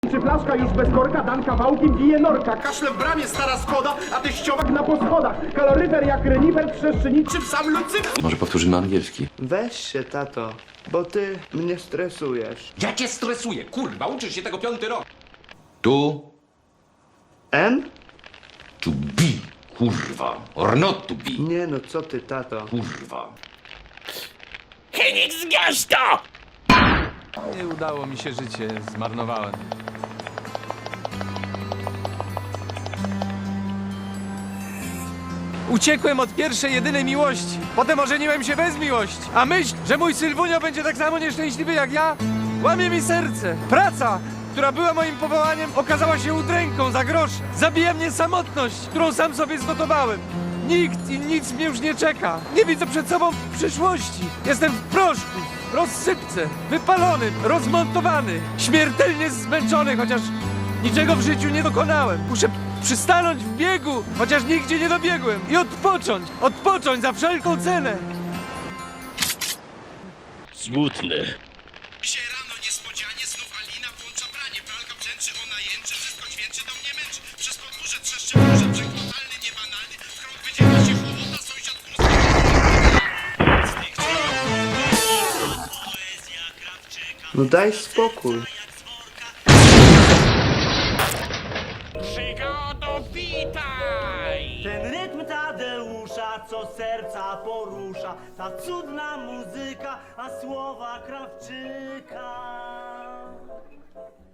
Czy flaszka już bez korka, dan kawałkiem bije norka. Kaszle w bramie, stara Skoda, a teściowak na poschodach. Kaloryfer jak renifer, trzeszczy niczym sam Lucyfer. Może powtórzymy angielski. Weź się, tato, bo ty mnie stresujesz. Ja cię stresuję, kurwa, uczysz się tego 5. rok. Tu, M? to be, kurwa. Or not to be, Nie no, co ty, tato? kurwa. Henix, zgaś to! Nie udało mi się życie, zmarnowałem. Uciekłem od pierwszej, jedynej miłości. Potem ożeniłem się bez miłości. A myśl, że mój Sylwunio będzie tak samo nieszczęśliwy jak ja, łamie mi serce. Praca, która była moim powołaniem, okazała się udręką za grosze. Zabija mnie samotność, którą sam sobie zgotowałem. Nikt i nic mnie już nie czeka. Nie widzę przed sobą przyszłości. Jestem w proszku, rozsypce, wypalony, rozmontowany, śmiertelnie zmęczony, chociaż niczego w życiu nie dokonałem. Muszę przystanąć w biegu, chociaż nigdzie nie dobiegłem. I odpocząć za wszelką cenę. Smutne. Się rano niespodzianie znów Alina włącza pranie. Pralka brzęczy, ona jęczy, wszystko dźwięczy, do mnie męczy. Przez podwórze trzeszcze burze, brzeg totalny, niebanalny. W krąg wydziela się chłodna, sąsiad No daj spokój. Przygodo, witaj! Ten rytm Tadeusza, co serca porusza, ta cudna muzyka, a słowa Krawczyka.